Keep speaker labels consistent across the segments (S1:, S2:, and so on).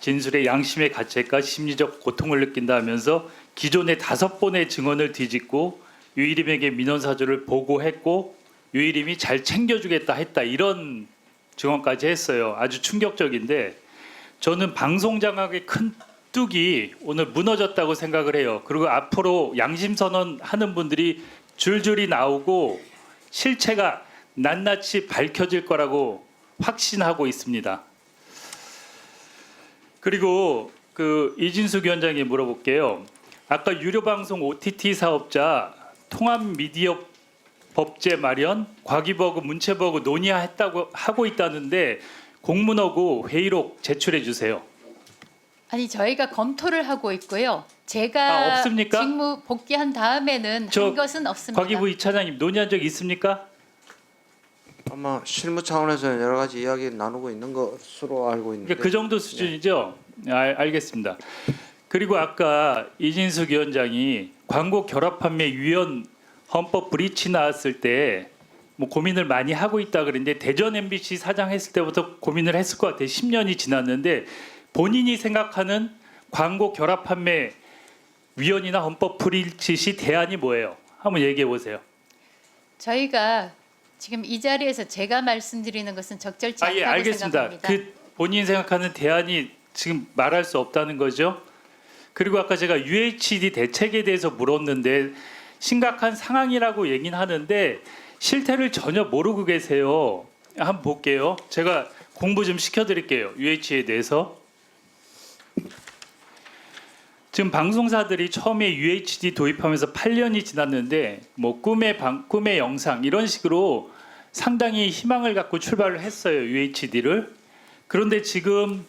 S1: 진술에 양심의 가책과 심리적 고통을 느낀다 하면서 기존의 5번의 증언을 뒤집고 유일임에게 민원사주를 보고했고 유일임이 잘 챙겨주겠다 했다 이런 증언까지 했어요. 아주 충격적인데 저는 방송장악의 큰 뚝이 오늘 무너졌다고 생각을 해요. 그리고 앞으로 양심선언 하는 분들이 줄줄이 나오고 실체가 낱낱이 밝혀질 거라고 확신하고 있습니다. 그리고 이진숙 위원장님 물어볼게요. 아까 유료방송 OTT 사업자 통합미디어 법제 마련, 과기버그, 문체버그 논의했다고 하고 있다는데 공문하고 회의록 제출해 주세요.
S2: 아니 저희가 검토를 하고 있고요. 제가
S1: 없습니까?
S2: 직무 복귀한 다음에는 한 것은 없습니다.
S1: 과기부 이차장님 논의한 적 있습니까?
S3: 아마 실무 차원에서 여러 가지 이야기를 나누고 있는 것으로 알고 있는데.
S1: 그러니까 그 정도 수준이죠. 알겠습니다. 그리고 아까 이진숙 위원장이 광고 결합 판매 위헌 헌법 브리치 나왔을 때 뭐 고민을 많이 하고 있다 그랬는데 대전 MBC 사장 했을 때부터 고민을 했을 것 같아요. 10년이 지났는데 본인이 생각하는 광고 결합 판매 위헌이나 헌법 브리치 대안이 뭐예요? 한번 얘기해 보세요.
S2: 저희가 지금 이 자리에서 제가 말씀드리는 것은 적절치 않다고
S1: 알겠습니다.
S2: 생각합니다.
S1: 그 본인 생각하는 대안이 지금 말할 수 없다는 거죠. 그리고 아까 제가 UHD 대책에 대해서 물었는데 심각한 상황이라고 얘기는 하는데 실태를 전혀 모르고 계세요. 한번 볼게요. 제가 공부 좀 시켜드릴게요. UHD에 대해서. 지금 방송사들이 처음에 UHD 도입하면서 8년이 지났는데 뭐 꿈의 영상 이런 식으로 상당히 희망을 갖고 출발을 했어요. UHD를. 그런데 지금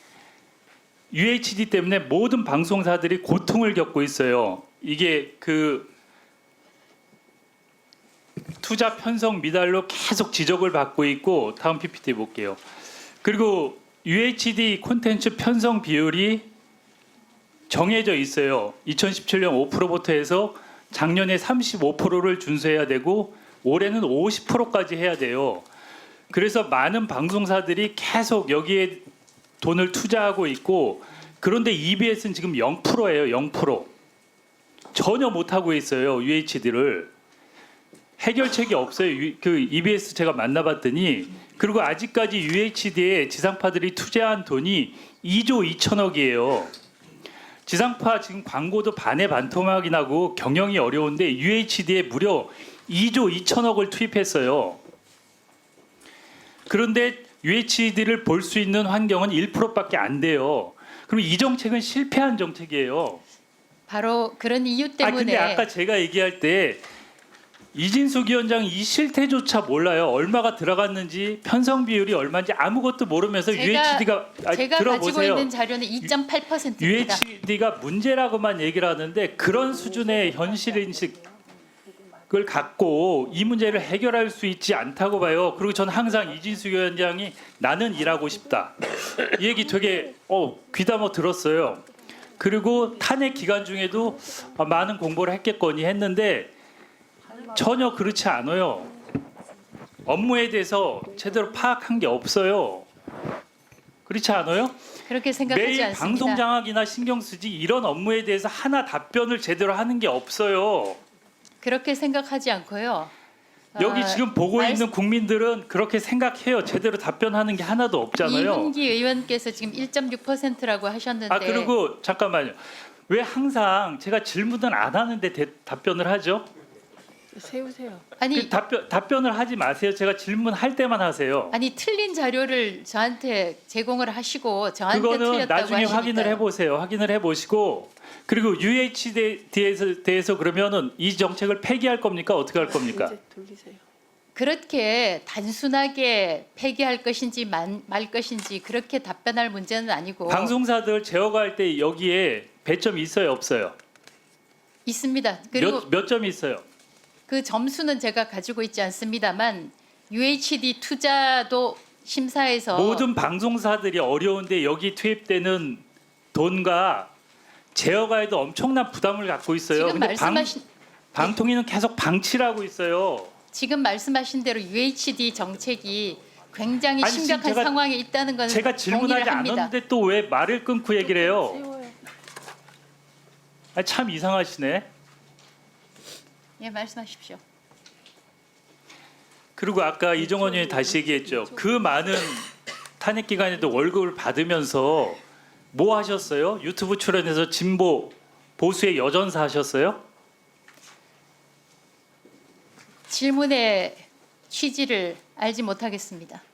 S1: UHD 때문에 모든 방송사들이 고통을 겪고 있어요. 이게 투자 편성 미달로 계속 지적을 받고 있고 다음 PPT 볼게요. 그리고 UHD 콘텐츠 편성 비율이 정해져 있어요. 2017년 5%부터 해서 작년에 35%를 준수해야 되고 올해는 50%까지 해야 돼요. 그래서 많은 방송사들이 계속 여기에 돈을 투자하고 있고 그런데 EBS는 지금 0%예요. 0%. 전혀 못하고 있어요. UHD를. 해결책이 없어요. EBS 제가 만나봤더니 그리고 아직까지 UHD에 지상파들이 투자한 돈이 2조 2천억이에요. 지상파 지금 광고도 반에 반토막이 나고 경영이 어려운데 UHD에 무려 2조 2천억을 투입했어요. 그런데 UHD를 볼 수 있는 환경은 1%밖에 안 돼요. 그럼 이 정책은 실패한 정책이에요.
S2: 바로 그런 이유 때문에.
S1: 근데 아까 제가 얘기할 때 이진숙 위원장 이 실태조차 몰라요. 얼마가 들어갔는지 편성 비율이 얼마인지 아무것도 모르면서 UHD가
S2: 제가
S1: 들어보세요.
S2: 가지고 있는 자료는 2.8%입니다.
S1: UHD가 문제라고만 얘기를 하는데 그런 수준의 현실 인식을 갖고 이 문제를 해결할 수 있지 않다고 봐요. 그리고 저는 항상 이진숙 위원장이 나는 일하고 싶다. 이 얘기 되게 귀담아 들었어요. 그리고 탄핵 기간 중에도 많은 공부를 했겠거니 했는데 전혀 그렇지 않아요. 업무에 대해서 제대로 파악한 게 없어요. 그렇지 않아요?
S2: 그렇게 생각하지
S1: 매일
S2: 않습니다.
S1: 방송 장악이나 신경 쓰지 이런 업무에 대해서 하나 답변을 제대로 하는 게 없어요.
S2: 그렇게 생각하지 않고요.
S1: 여기 지금 보고 있는 국민들은 그렇게 생각해요. 제대로 답변하는 게 하나도 없잖아요.
S2: 이훈기 의원께서 지금 1.6%라고 하셨는데.
S1: 그리고 잠깐만요. 왜 항상 제가 질문을 안 하는데 답변을 하죠?
S4: 세우세요.
S2: 아니
S1: 답변을 하지 마세요. 제가 질문할 때만 하세요.
S2: 아니 틀린 자료를 저한테 제공을 하시고 저한테
S1: 그거는
S2: 틀렸다고
S1: 나중에 확인을 해보세요. 확인을 해보시고 그리고 UHD에 대해서 그러면은 이 정책을 폐기할 겁니까? 어떻게 할 겁니까?
S4: 이제 돌리세요.
S2: 그렇게 단순하게 폐기할 것인지 말 것인지 그렇게 답변할 문제는 아니고
S1: 방송사들 제어할 때 여기에 배점이 있어요, 없어요?
S2: 있습니다. 그리고
S1: 몇 점이 있어요?
S2: 그 점수는 제가 가지고 있지 않습니다만 UHD 투자도 심사에서
S1: 모든 방송사들이 어려운데 여기 투입되는 돈과 제어가에도 엄청난 부담을 갖고 있어요.
S2: 지금
S1: 근데
S2: 말씀하신
S1: 방통위는 계속 방치를 하고 있어요.
S2: 지금 말씀하신 대로 UHD 정책이 굉장히
S1: 아니, 지금
S2: 심각한
S1: 제가-
S2: 상황에 있다는 건
S1: 제가 질문하지
S2: 동의를 합니다.
S1: 않았는데 또 왜 말을 끊고 얘기를 해요?
S4: 세워요.
S1: 아니, 참 이상하시네.
S2: 예, 말씀하십시오.
S1: 그리고 아까 이정원 의원이 다시 얘기했죠. 그 많은 탄핵 기간에도 월급을 받으면서 뭐 하셨어요? 유튜브 출연해서 진보 보수의 여전사 하셨어요?
S2: 질문의 취지를 알지 못하겠습니다.